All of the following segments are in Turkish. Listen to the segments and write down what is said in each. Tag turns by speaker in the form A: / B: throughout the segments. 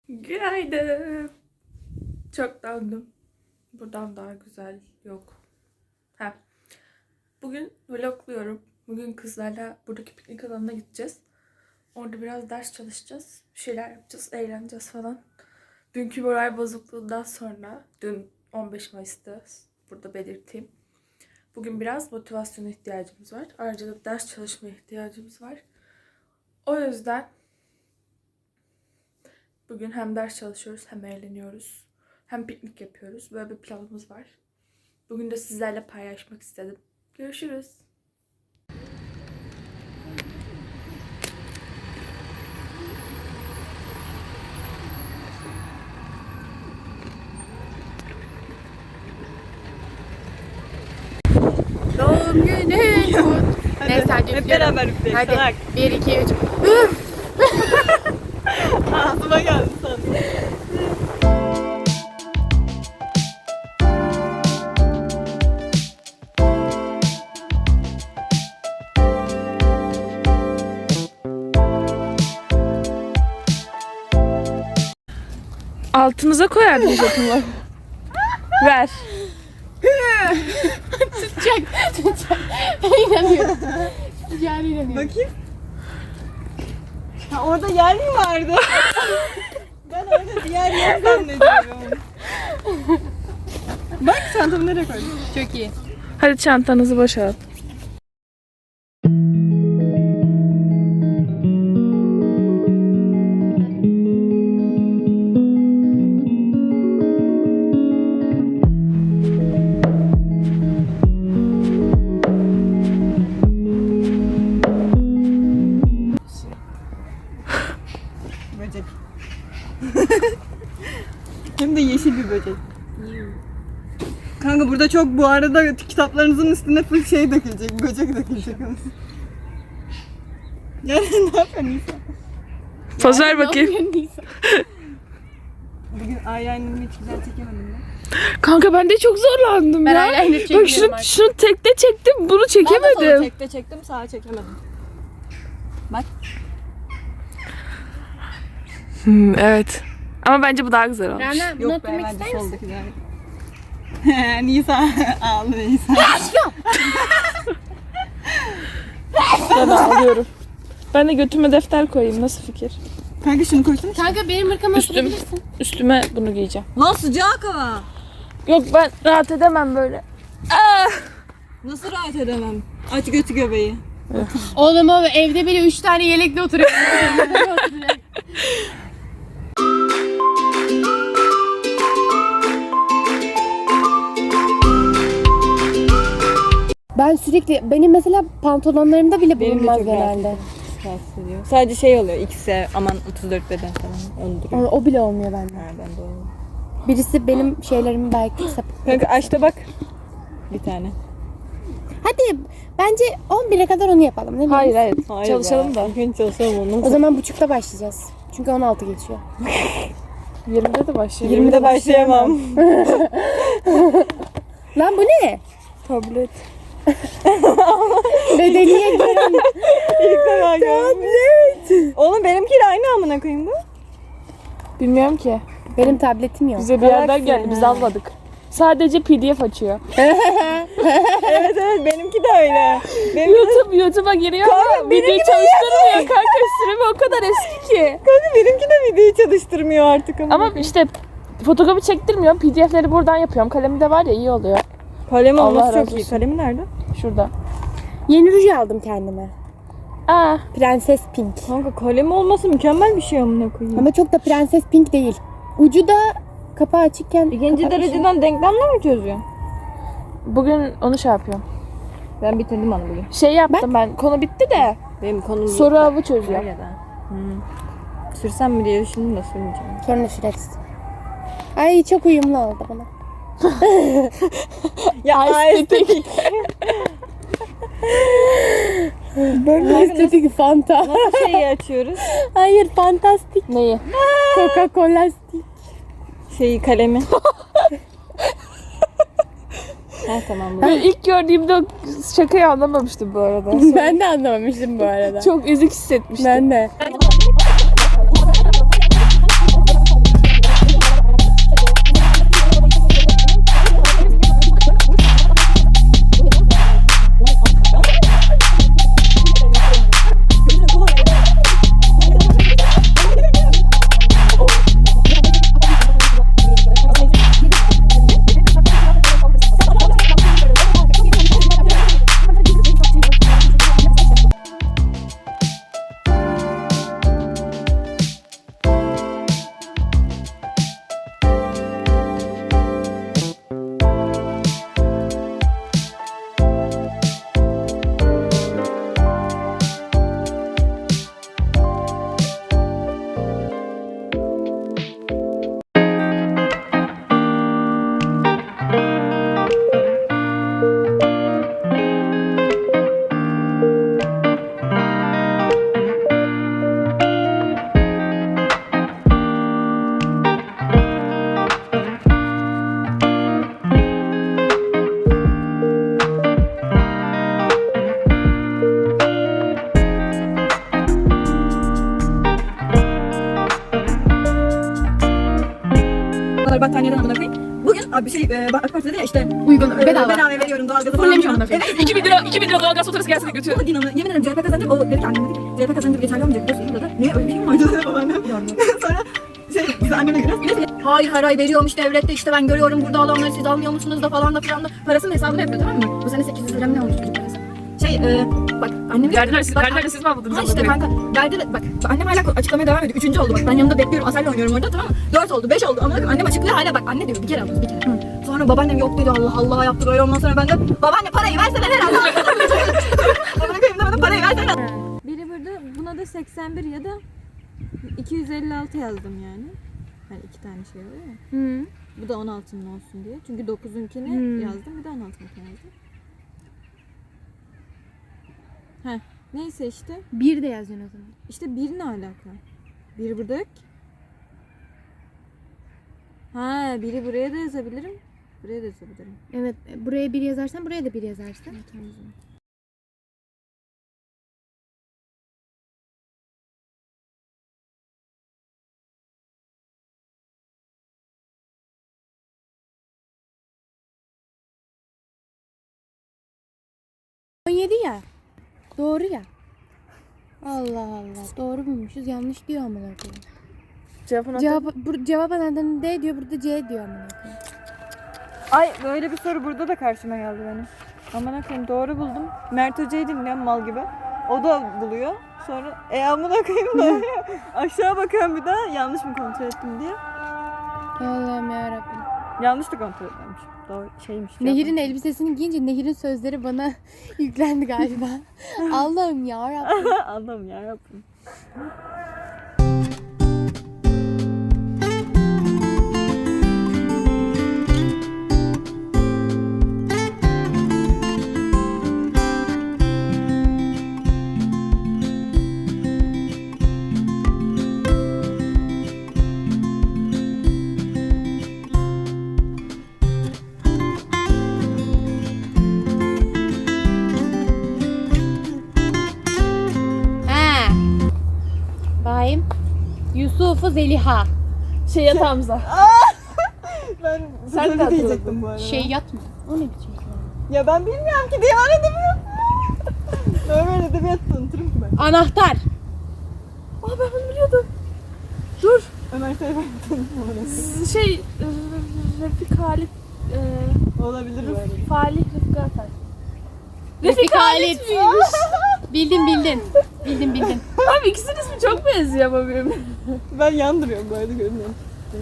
A: Günaydın. Çok döndüm. Buradan daha güzel yok. Bugün vlogluyorum. Bugün kızlarla buradaki piknik alanına gideceğiz. Orada biraz ders çalışacağız. Bir şeyler yapacağız, eğleneceğiz falan. Dünkü moral bozukluğundan sonra, dün 15 Mayıs'ta burada belirteyim. Bugün biraz motivasyona ihtiyacımız var. Ayrıca da ders çalışmaya ihtiyacımız var. O yüzden bugün hem ders çalışıyoruz hem eğleniyoruz. Hem piknik yapıyoruz. Böyle bir planımız var. Bugün de sizlerle paylaşmak istedim. Görüşürüz. Doğum günün kutlu. Neyse hadi
B: hep beraber üfleyelim.
A: Hadi 1, 2, 3.
B: Ağzıma geldi sandım.
A: Altımıza koyardın jetonları. Ver. Tutacak. Ben inanıyorum. Yani inanıyorum.
B: Bakayım. Ha, orada yer mi vardı? Ben orada diğer yer zannediyorum. Bak çantamı nereye koydum?
A: Çok iyi. Hadi çantanızı boşalt.
B: Böcek. Hem de yeşil bir böcek. Kanka burada çok bu arada kitaplarınızın üstüne full şey dökülecek, böcek dökülecek. Yani ne yapıyorsun Nisa?
A: Poz ver bakayım.
B: Bugün eyeliner'ımı hiç güzel çekemedim ben.
A: Kanka ben de çok zorlandım
C: Ben
A: ya.
C: eyeliner
A: Bak
C: çekmiyorum artık.
A: şunu tekte çektim, bunu
B: Ben de sola
A: çekemedim.
B: tekte çektim, sağa çekemedim. Bak.
A: Evet. Ama bence bu daha güzel olmuş.
C: Rana bunu
B: Yok be,
C: oturmak
B: bence
C: ister misin?
B: soldaki daha iyi. Nisa ağlı Nisa.
A: Ben alıyorum. Ben de götüme defter koyayım. Nasıl fikir?
B: Kanka şunu koysana.
C: Kanka benim hırkama oturabilirsin.
A: Üstüme bunu giyeceğim.
B: Lan sıcak hava.
A: Yok ben rahat edemem böyle.
B: Nasıl rahat edemem? Aç götü göbeği.
C: Oğlum o evde bile 3 tane yelekle oturuyor. Ben sürekli, benim mesela pantolonlarımda bile
B: Benim de
C: bulunmaz
B: çok
C: genelde.
B: Rahatsız ediyor. Sadece şey oluyor. X'e aman 34 beden falan. Onu duruyor.
C: O bile olmuyor bende.
B: Ha, ben de oluyor.
C: Birisi benim şeylerimi belki sapık.
B: Kanka aç da bak. Bir tane.
C: Hadi bence 11'e kadar onu yapalım değil mi?
A: Hayır hayır.
B: Hayır
A: Çalışalım
B: be.
A: da.
B: İlk önce çalışalım ondan
C: O zaman buçukta başlayacağız. Çünkü 16 geçiyor.
A: 20'de de başlayalım.
B: 20'de başlayamam.
C: Lan bu ne?
A: Tablet.
C: Bedeniye giren.
B: İlk defa gördüm. Oğlum benimkiyle aynı amına koyayım bu.
A: Bilmiyorum ki.
C: Benim tabletim yok.
A: Bize bir yerden
B: Galaxy,
A: geldi. Biz
B: ha.
A: almadık. Sadece PDF açıyor.
B: Evet benimki de öyle. Benim
A: YouTube'a giriyor
B: Kanka,
A: ama videoyu çalıştırmıyor. Kanka süremi o kadar eski ki.
B: Kanka benimki de videoyu çalıştırmıyor artık ama.
A: Ama işte fotoğrafı çektirmiyorum. PDF'leri buradan yapıyorum. Kalemi de var ya iyi oluyor.
B: Kalem
A: Allah
B: olması
A: razı
B: çok iyi.
A: olsun.
B: Kalemi nerede?
A: Şurada.
C: Yeni ruj aldım kendime.
A: Aa,
C: Prenses Pink.
B: Kanka kalemi olması mükemmel bir şey amına koyayım.
C: Ama çok da Prenses Pink değil. Ucu da kapağı açıkken...
B: İkinci
C: kapatmışım.
B: dereceden denklemle mi çözüyorsun?
A: bugün onu şey yapıyorum.
B: Ben bitirdim onu bugün.
A: Şey yaptım ben. Konu bitti de.
B: Benim konum
A: Soru avı çözüyorum.
B: Öyle de. Sürsem mi diye düşündüm de sürmeyeceğim.
C: Sonra süreriz. Ay çok uyumlu oldu bana.
B: Ya estetik.
C: Böyle estetik Fanta.
B: Nasıl şeyi açıyoruz?
C: Hayır fantastik.
A: Neyi?
C: Coca-Cola stick.
B: Şeyi kalemi. Ha tamam bu.
A: Ben ilk gördüğümde o şakayı anlamamıştım bu arada. Sonra
C: Ben de anlamamıştım bu arada.
A: çok ezik hissetmiştim.
C: Ben de.
B: paralar battaniyeden amına koyayım. Bugün abi AK Parti'de ya işte
C: Uygun, bedava.
B: bedava veriyorum doğalgazı falan.
C: Fullemiş amına koyayım.
B: Evet.
A: 2000 lira doğalgaz faturası gelse de götür.
B: Ama Dinan'ı yemin ederim CHP kazandı. O dedi ki annem dedi ki CHP kazandı geçerli olmayacak diyorsun dedi. Niye öyle bir şey mi vardı dedi babaannem. Sonra biz anneme göre hayır her ay veriyormuş devlette işte ben görüyorum burada alanları siz almıyor musunuz da falan da filan da parasının hesabını yapıyor tamam mı? Bu sene 800 lira ne olmuş çocuk parası? Bak annem
A: Verdiler siz mi aldınız?
B: Ha işte kanka verdi bak annem hala açıklamaya devam ediyor. 3. oldu bak ben yanında bekliyorum Asel'le oynuyorum orada tamam mı? 4 oldu 5 oldu ama annem açıklıyor hala bak anne diyor bir kere aldınız bir kere. Sonra babaannem yok dedi Allah Allah yaptı böyle ondan sonra ben de babaanne parayı versene herhalde. Babaanne kayımda bana parayı versene.
D: Biri burada buna da 81 ya da 256 yazdım yani. Hani iki tane şey var ya.
C: Hı.
D: Bu da 16'nın olsun diye. Çünkü 9'unkini yazdım bir de 16'ınkini yazdım. Heh. Neyse işte.
C: Bir de yazacaksın o zaman.
D: İşte bir ne alaka? Biri burada yok ki. Ha biri buraya da yazabilirim. Buraya da yazabilirim.
C: Evet, buraya bir yazarsan buraya da bir yazarsın.
D: Tamam o zaman.
C: O 17 ya. Doğru ya. Allah Allah. Doğru bulmuşuz. Yanlış diyor amına koyayım. Cevap anahtarında D diyor, burada C diyor amına koyayım.
D: Ay böyle bir soru burada da karşıma geldi benim. Aman koyayım doğru buldum. Mert Hoca'yı dinliyorum mal gibi. O da buluyor. Sonra amına koyayım da aşağı bakıyorum bir daha yanlış mı kontrol ettim diye.
C: Allah'ım yarabbim.
D: Yanlış da kontrol etmemiş. Doğru şeymiş.
C: Nehir'in elbisesini giyince Nehir'in sözleri bana yüklendi galiba. Allah'ım yarabbim.
D: Allah'ım yarabbim.
C: Ha. Bayım. Yusuf'u Zeliha.
A: Şey yatağımıza.
D: Ben
A: Sen de
D: böyle diyecektim bu arada.
C: Şey yatma. O ne biçim?
D: Ya ben bilmiyorum ki diye aradım ya. Böyle edebiyat tanıtırım ki ben.
C: Anahtar.
A: Aa ben bunu biliyordum. Dur.
D: Ömer Seyfettin orası.
A: Şey Refik Halit
D: Olabilir bu arada.
A: Falih Refik Atay.
C: Refik Halit. Bildin. Bildin.
A: Abi ikisinin ismi çok benziyor ama birbirine.
D: Ben yandırıyorum bu arada görünüyorum.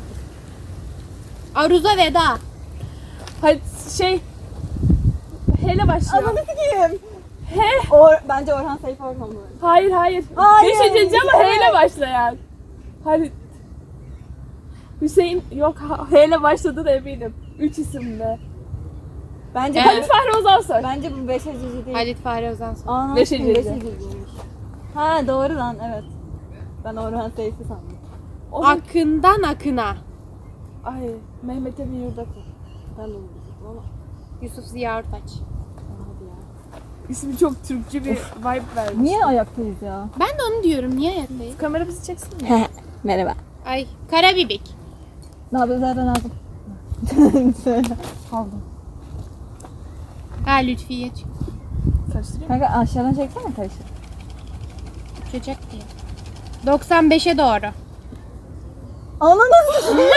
C: Aruza Veda.
A: Hadi şey Hele başlıyor.
D: Ananı sikeyim.
A: He.
D: Bence Orhan Seyfi Orhan bu arada.
A: Hayır.
D: Hayır.
A: Bir şey diyeceğim ama H ile başlayan. Halit. Hüseyin yok H ile başladı da eminim. 3 isimde.
D: Bence
C: Evet.
A: Halit Fahri Ozansoy.
D: Bence bu Beşecici değil.
C: Halit Fahri Ozansoy.
D: Aa,
A: Beşecici.
D: Beşeciciymiş. Ha doğru lan evet. Ben Orhan Seyfi sandım.
C: Akından akına.
A: Ay Mehmet Emin Yurdakul.
D: Ben de onu diyecektim ama.
C: Yusuf Ziya Ortaç.
D: Hadi ya.
A: İsmi çok Türkçe bir vibe vermiş.
D: Niye ayaktayız ya?
C: Ben de onu diyorum. Niye ayaktayız?
A: Kamera bizi çeksin mi?
D: Merhaba.
C: Ay Karabibik.
D: Ne yapıyorsun zaten lazım? Söyle.
A: Aldım.
C: Ha Lütfiye
A: Karıştırayım.
D: Kanka aşağıdan çeksene karışık.
C: çıkacak diye. 95'e doğru.
D: Anladın mı?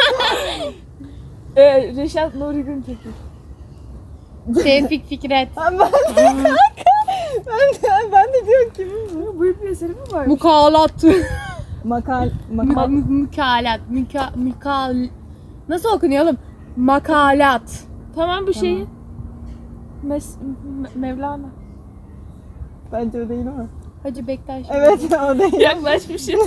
A: Reşat Nuri Güntekin.
C: Tevfik Fikret.
D: Ben de diyorum kimin bu?
A: Büyük bir eseri mi var?
C: Mukalat.
D: Makal.
C: Mukalat. Nasıl okunuyor oğlum? Makalat.
A: Tamam bu şeyi. Mevlana.
D: Bence o değil ama.
C: Hacı Bektaş.
D: Evet o değil.
A: Yaklaşmışım.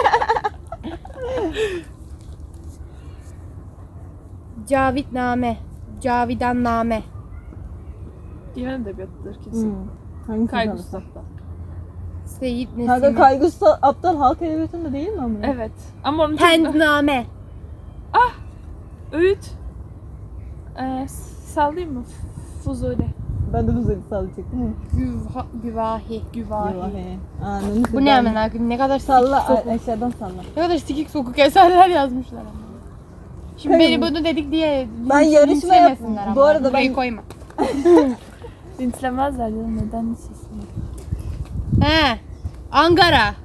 C: Cavitname. Cavidanname.
A: Divan edebiyatıdır kesin.
D: Hangi
A: Kaygı
D: kızarsa?
A: Usta'da.
C: Seyit
D: Kanka
C: Nesimi.
D: Kaygı Usta aptal halk edebiyatında değil mi ama?
A: Evet. Ama onun
C: Pendname.
A: Öğüt. Sallayayım mı? Fuzuli.
D: Ben de bu zırhı sallayacaktım.
C: Güvahi.
A: Güvahi.
D: Anladın
C: Bu ne hemen abi? Ne kadar
D: Salla
C: sikik sokuk.
D: aşağıdan salla.
C: Ne kadar sikik sokuk eserler yazmışlar ama. Şimdi beni bunu dedik diye
D: Ben yarışma
C: linçlemesinler
D: yap-
C: ama.
D: bu arada
C: Burayı
D: ben-
C: koyma.
A: Linçlemezler canım, neden linçlesinler?
C: He. Ankara.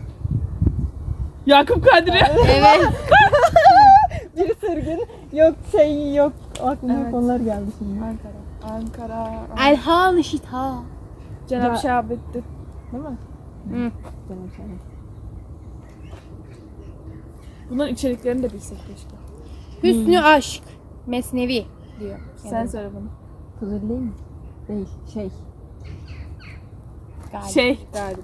A: Yakup Kadri.
C: Evet.
D: Bir sırgın yok şey yok. Aklıma
A: Evet.
D: konular geldi şimdi.
A: Ankara.
C: Elhan Şita.
A: Cenab-ı Şahabettin. Değil mi?
C: Hı.
A: Bunların içeriklerini de bilsek keşke.
C: Hüsnü aşk. Mesnevi diyor.
A: Sen söyle bunu.
D: Kuzey değil mi? Değil. Şey.
C: Galiba.
A: Şey galip.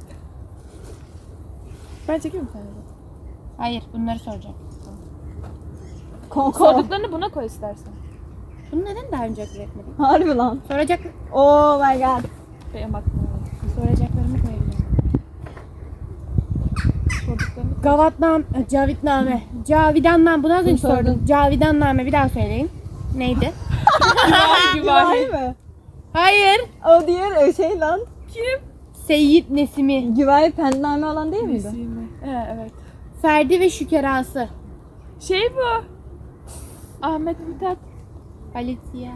A: Ben çekeyim mi sana?
C: Hayır, bunları soracağım.
D: Konko.
A: Sorduklarını buna koy istersen.
C: Bunu neden daha önce akıl etmedin?
D: Harbi lan.
C: Soracak,
D: Oh my god.
A: Benim aklıma.
C: soracaklarımı koyabilirim.
A: Sorduklarını
C: Cavitname. Cavidanname. Bunu az önce
D: sordun.
C: sordum. Cavidanname bir daha söyleyin. Neydi?
D: Güvay mı?
C: Hayır.
D: O diğer şey lan.
C: Seyyid Nesimi.
D: Güvay pendame olan değil miydi?
A: Nesimi. Evet.
C: Ferdi ve Şükerası.
A: Şey bu. Ahmet Mithat.
C: Alicia.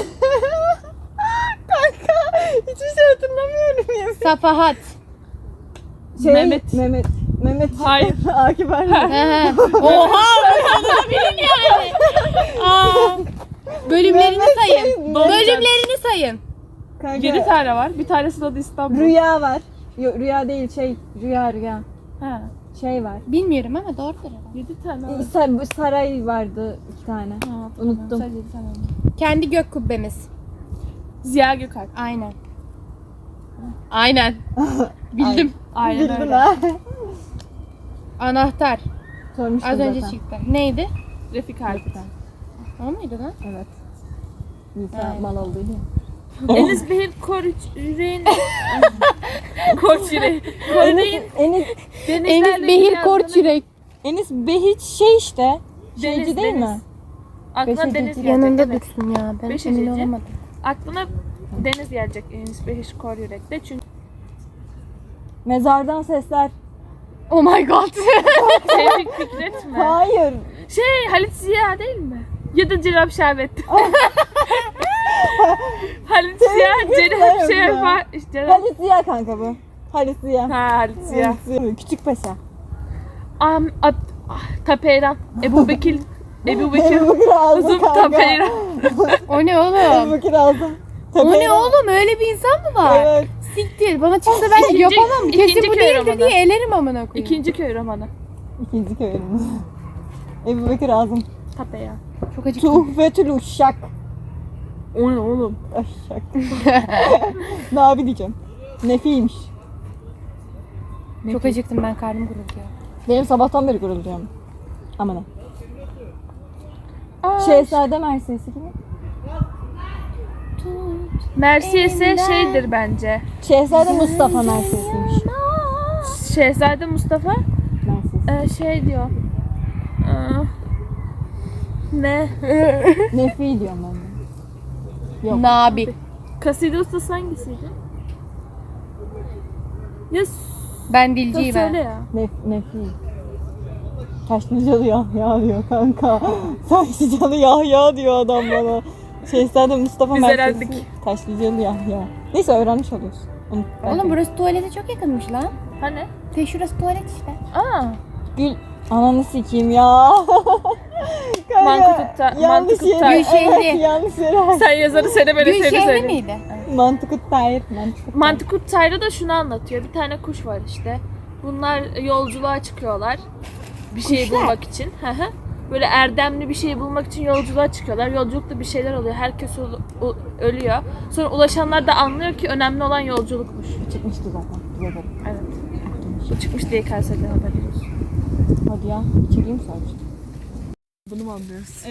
D: Kanka hiçbir şey hatırlamıyorum ya.
C: Safahat.
D: Şey,
A: Mehmet.
D: Mehmet.
A: Hayır.
D: Akif Erdoğan.
C: Oha! Bunu bilin yani. Aa, bölümlerini
D: Mehmet
C: sayın.
D: şey,
C: Bölümlerini sayın.
D: Kanka,
A: 7 tane var. Bir tanesi de adı İstanbul.
D: Rüya var. Yok rüya değil şey. Rüya.
A: Ha.
D: Şey var.
C: Bilmiyorum ama doğrudur herhalde.
A: 7 tane var.
D: Bu saray vardı 2 tane.
A: Ha,
D: Unuttum.
A: Sadece 7 tane var.
C: Kendi gök kubbemiz.
A: Ziya Gökalp.
C: Aynen. Aynen. Bildim.
A: Aynen
D: Bildin
A: öyle.
D: ha.
C: Anahtar.
D: Sormuştum
C: Az önce
D: zaten.
C: çıktı. Neydi?
A: Refik Alp.
C: O muydu lan?
D: Evet. Nisa
C: Aynen.
D: mal oldu ya.
A: Enes Behir Yüreğin. Koç Yüreği. Kore'nin
D: Enis
C: Enis Behir Korçürek.
D: Enis Behiç şey işte. Şeyci
A: Deniz,
D: değil
A: Deniz.
D: mi?
A: Aklına
D: Beşinci
A: Deniz gelecek.
C: Yanında
A: evet.
C: dursun ya. Ben
A: Beş
C: emin
A: hececi.
C: olamadım.
A: Aklına Deniz gelecek Enis Behir Kor Yürek'te. Çünkü
D: Mezardan sesler.
C: Oh my god.
A: Tevfik Fikret mi?
D: Hayır.
A: Şey Halit Ziya değil mi? Ya da Cenab-ı Şahabettin. Halit Ziya, Cenab-ı
D: Fikret ya.
A: Şahabettin.
D: Halit Ziya kanka bu. Halit Ziya.
A: Ha Halit Ziya.
D: Halit Ziya. Küçük Paşa.
A: Tapeyran. Ebu Bekir. Ebu Bekir.
D: Ebu Bekir aldım
A: Uzun
D: kanka.
A: Tapeyran.
C: O ne
D: Ebu
C: oğlum?
D: Bekir aldım.
C: O ne oğlum? Öyle bir insan mı var?
D: Evet.
C: Siktir. Bana çıksa ben
A: İkinci-
C: yapamam. Kesin
A: ikinci
C: bu
A: köy
C: değildir
A: romanı.
C: diye elerim amına koyayım.
A: İkinci köy romanı.
D: İkinci köyümüz. Ebu Bekir aldım.
A: Tapeyran.
C: Çok acıktım.
D: Tuhfetül Uşşak.
A: O ne oğlum?
D: Aşşak. Ne abi diyeceğim. Nefiymiş.
C: Çok acıktım ben, karnım gurulduyor.
D: Benim sabahtan beri gurulduyorum. Aman ha.
A: Aa,
D: Şehzade Mersesi gibi.
A: Mersiyesi şeydir bence.
D: Şehzade Mustafa Mersesiymiş.
A: Şehzade Mustafa
D: Merses.
A: şey diyor. Ne?
D: Nefi diyorum ben de. Yok.
C: Nabi.
A: Kaside ustası hangisiydi? Ya
C: Ben dilciyim
A: söyle
C: ben.
A: ya.
D: Nefi. Taşlıcalı Yahya diyor kanka. Taşlıcalı Yahya diyor adam bana. Şehzade Mustafa
A: Biz
D: Mersesi.
A: öğrendik.
D: Taşlıcalı Yahya. Neyse öğrenmiş oluyorsun.
C: Oğlum burası tuvalete çok yakınmış lan.
A: Hani?
C: Şurası tuvalet işte.
A: Aa.
D: Gül. Ananı sikeyim ya. Kanka,
A: Mantıkutta-
D: yanlış
A: Mantıkutta-
D: yere.
C: Gülşehri.
D: Evet, yanlış yere.
A: Sen yazarı seni böyle seni
C: Gülşehri
A: söyle.
C: miydi?
D: Mantıkut Tahir.
A: Mantıkut Tayra da şunu anlatıyor. Bir tane kuş var işte. Bunlar yolculuğa çıkıyorlar. Bir şey
C: Kuşlar?
A: bulmak için. Hı hı. Böyle erdemli bir şey bulmak için yolculuğa çıkıyorlar. Yolculukta bir şeyler oluyor. Herkes ölüyor. Sonra ulaşanlar da anlıyor ki önemli olan yolculukmuş.
D: Çıkmıştı zaten. Bize de.
A: Evet. Bu çıkmış diye Kayseri'de haberimiz olsun.
D: Hadi ya. İçeriği mi sormuştun?
A: Bunu mu anlıyoruz?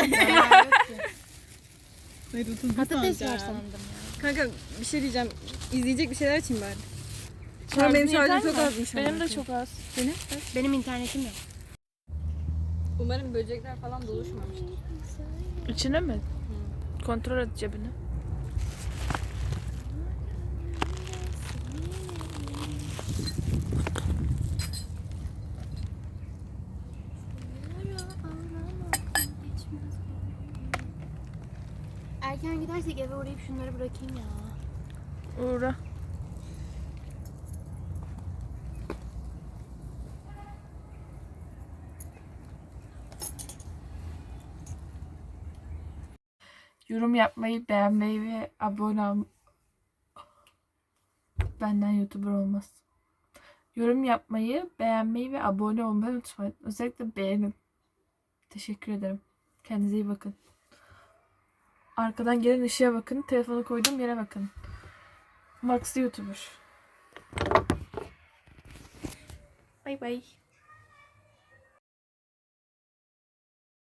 C: Patates var sandım.
D: Kanka bir şey diyeceğim. İzleyecek bir şeyler için bari.
A: Şarjın
D: benim şarjım
A: yeter
D: çok
A: mi?
D: azmış
A: Benim
D: ama.
A: de çok az.
C: Benim internetim yok.
D: Umarım böcekler falan doluşmamıştır.
A: İçine mi? Kontrol et cebini.
C: Erken gidersek eve uğrayıp şunları bırakayım ya.
A: Uğra. Yorum yapmayı, beğenmeyi ve abone ol... Benden YouTuber olmaz. Yorum yapmayı, beğenmeyi ve abone olmayı unutmayın. Özellikle beğenin. Teşekkür ederim. Kendinize iyi bakın. Arkadan gelen ışığa bakın. Telefonu koyduğum yere bakın. Max YouTuber. Bay bay.